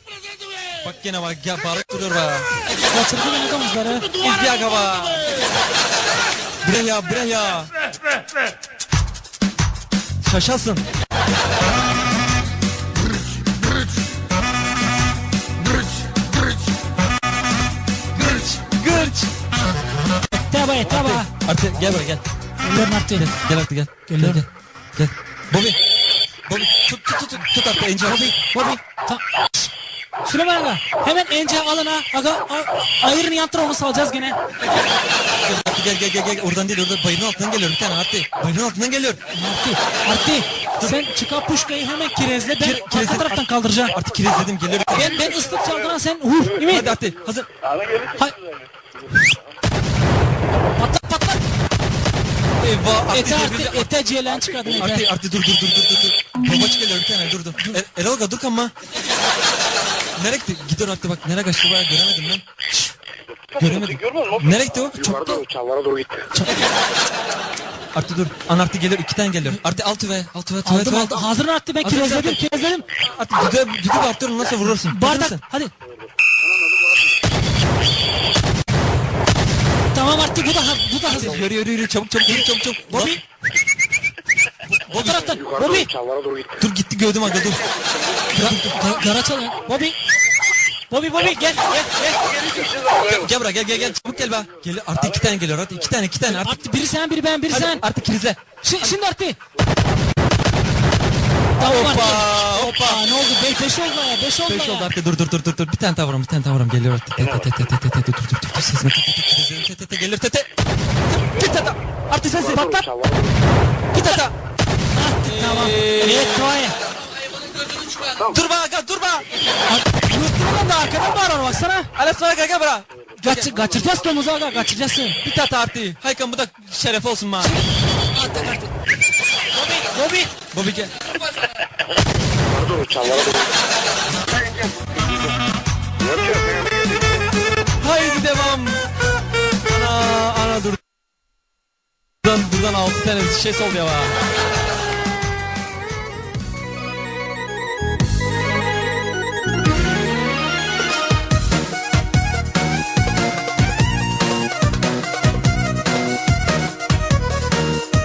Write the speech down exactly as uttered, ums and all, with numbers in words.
Bak gene bak ya bağırıp duruyor be. Kaçırdı beni domuzları. İzdiyak hava. Bre ya bre ya. Şaşasın. Gırç. Taba taba. Artık gel buraya gel. Geliyorum artık. Gel, gel artık gel. Geliyorum. Gel, gel. Gel. Bobby. Bobby tut tut tut tut artık Ence. Bobby, Bobby. Ta Süleyman aga, hemen Ence alın ha. Aga, a- ayırın yan tarafını salacağız gene. Gel gel gel gel. Oradan değil, orada bayırın altından geliyor bir tane artık. Bayırın altından geliyor. Arti, Arti. Sen çıkar puşkayı hemen kirezle. Ben Kire- arka kirezle- taraftan kaldıracağım. Artık kirezledim geliyor bir tane. Ben, ben ıslık çaldıran sen vur. Değil mi? Hadi artık hazır. Hay. Patlat patlat. Eyvah. Ete Artık artı, devirdi. ete ceylan çıkardın ete. Artık artık dur dur dur dur dur. Babaç geliyor bir tane dur dur. Er, Erolga dur kanma. Nereye gitti? Gidiyor artık bak nereye kaçtı bayağı göremedim ben. Şşş. Göremedim. Nereye gitti o? Çok da. Çamlara doğru gitti. Artık dur. An artık geliyor iki tane geliyor. Artık altı ve altı ve tuvalet Aldım ve. aldım. Hazırın Arti, ben Hazır kirezledim zaten. kirezledim. Artık düdüğe düdüğü arttırın nasıl vurursun? Hazır Bardak mısın? hadi. Tamam Arti, bu da ha- bu da hazır. Yürü yürü yürü çabuk çabuk yürü çabuk çabuk. Bobby. Bu taraftan. Yukarı Bobby. doğru çamlara doğru gitti. Dur gitti gördüm aga dur. Ga- Gara çalın. Bobby. Bobby Bobby gel gel gel. Gel buraya gel gel gel çabuk gel be. Geliyor artık iki tane geliyor artık iki tane iki tane artık. Arti biri sen biri ben biri Hadi sen. artık krizle. Şi- şimdi Arti. Tamam Hoppa, Arti. hoppa. Hoppa. Ne oldu? Beş, beş oldu ya. Beş oldu Beş ya. oldu artık dur dur dur dur dur. Bir tane tavurum bir tane tavurum geliyor artık. Te te te te te te te dur dur dur dur. Sesime te te te krizlerim te te te gelir te te. Bir tane artık sensin. Patlat. Çamlara doğru. Bir tane. Arti tamam. Evet Toy. Dur be aga dur be. Yurtluğundan da arkadan bağırıyor baksana. Ala sonra gel gel bura. Kaç, kaçıracağız domuzu aga kaçıracaksın. Bir tane artık. Haykan bu da şeref olsun bana. Arti Arti. Bobby. Bobby. Bobby gel. Yukarı doğru çamlara doğru. Haydi devam. Ana ana dur. Buradan buradan altı tane şey oldu ya.